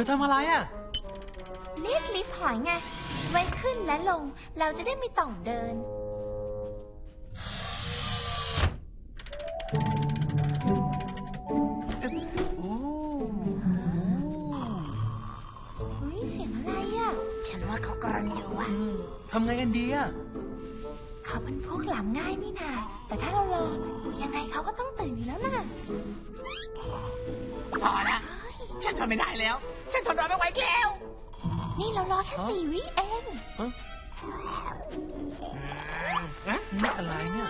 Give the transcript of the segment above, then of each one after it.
อทำอะไรอ่ะเรียกลิฟต์หอยไงไว้ขึ้นและลงเราจะได้ไม่ต้องเดินโอ้เฮ้ยเสียงอะไรอ่ะฉันว่าเขากรนอยู่อ่ะทำไงกันดีอ่ะเขาเป็นพวกหลับง่ายนี่นาแต่ถ้าเรารอยังไงเขาก็ต้องตื่นอยู่แล้วนะพอละฉันทนไม่ได้แล้วฉันทนรอไม่ไหวแล้วนี่เรารอแค่4 วิเองนี่อะไรเนี่ย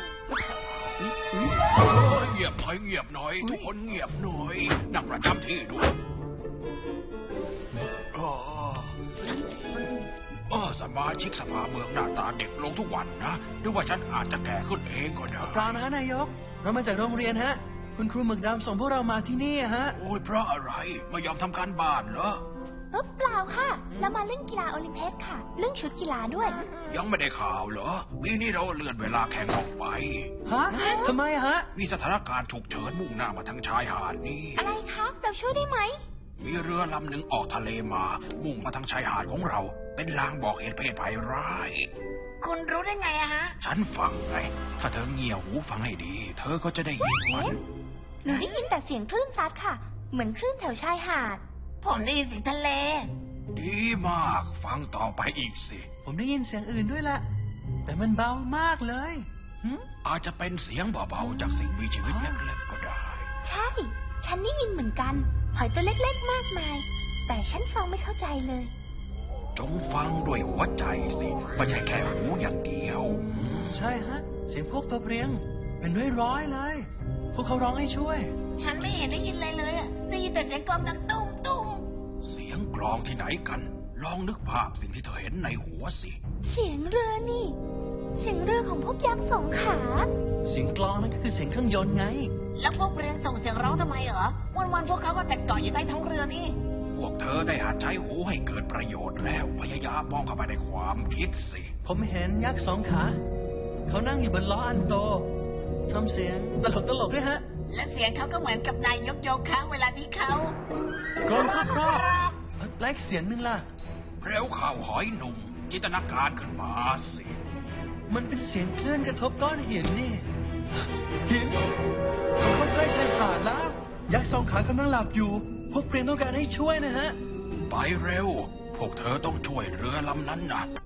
เงียบหน่อยเงียบหน่อยทุกคนเงียบหน่อยนั่งประจำที่ด้วยสมาชิกสภาเมืองหน้าตาเด็กลงทุกวันนะหรือว่าฉันอาจจะแก่ขึ้นเองก็ได้เปล่านะนายกเรามาจากโรงเรียนฮะคุณครูหมึกดำส่งพวกเรามาที่นี่ฮะโอ้ยเพราะอะไรไม่ยอมทำการบ้านเหรอเปล่าค่ะเรามาเล่นกีฬาโอลิมปิกค่ะเรื่องชุดกีฬาด้วยยังไม่ได้ข่าวเหรอปีนี้เราเลื่อนเวลาแข่งออกไปฮะทำไมฮะมีสถานการณ์ฉุกเฉินมุ่งหน้ามาทางชายหาดนี่อะไรคะเราช่วยได้ไหมมีเรือลำหนึ่งออกทะเลมามุ่งมาทางชายหาดของเราเป็นลางบอกเหตุเพศภัยร้ายคุณรู้ได้ไงอะฮะฉันฟังไงถ้าเธอเงี่ยหูฟังให้ดีเธอก็จะได้ยินมันหนูได้ยินแต่เสียงคลื่นซัดค่ะเหมือนคลื่นแถวชายหาดผมได้ยินเสียงทะเลดีมากฟังต่อไปอีกสิผมได้ยินเสียงอื่นด้วยแหละแต่มันเบามากเลยอาจจะเป็นเสียงเบาๆจากสิ่งมีชีวิตเล็กๆก็ได้ใช่ฉันได้ยินเหมือนกันหอยตัวเล็กๆมากมายแต่ฉันฟังไม่เข้าใจเลยจงฟังด้วยหัวใจสิไม่ใช่แค่หูอย่างเดียวใช่ฮะเสียงพวกตัวเพลียงเป็นร้อยเลยพวกเขาร้องให้ช่วยฉันไม่เห็นได้ยินอะไรเลยอ่ะได้ยินแต่เสียงกลองดังตุ้มตุ้มเสียงกลองที่ไหนกันลองนึกภาพสิ่งที่เธอเห็นในหัวสิเสียงเรือนี่เสียงเรือของพวกยักษ์2 ขาเสียงกลองนั่นก็คือเสียงเครื่องยนต์ไงแล้วพวกเรือส่งเสียงร้องทำไมเหรอวันๆพวกเขาก็แต่เกาะอยู่ใต้ท้องเรือนี่พวกเธอได้หัดใช้หูให้เกิดประโยชน์แล้วพยายามมองเข้าไปในความคิดสิผมเห็นยักษ์2 ขาเขานั่งอยู่บนล้ออันโตทำเสียงตลกด้วยฮะและเสียงเขาก็เหมือนกับนายยกค้างเวลาที่เขากรนครอบและอีกเสียงหนึ่งล่ะเร็วข่าวหอยหนุ่มจินตนาการขึ้นมาสิมันเป็นเสียงคลื่นกระทบก้อนหินนี่หินเขาใกล้ชายหาดแล้วยักษ์2 ขากำลังหลับอยู่พวกเพลียงต้องการให้ช่วยนะฮะไปเร็วพวกเธอต้องช่วยเรือลำนั้นนะ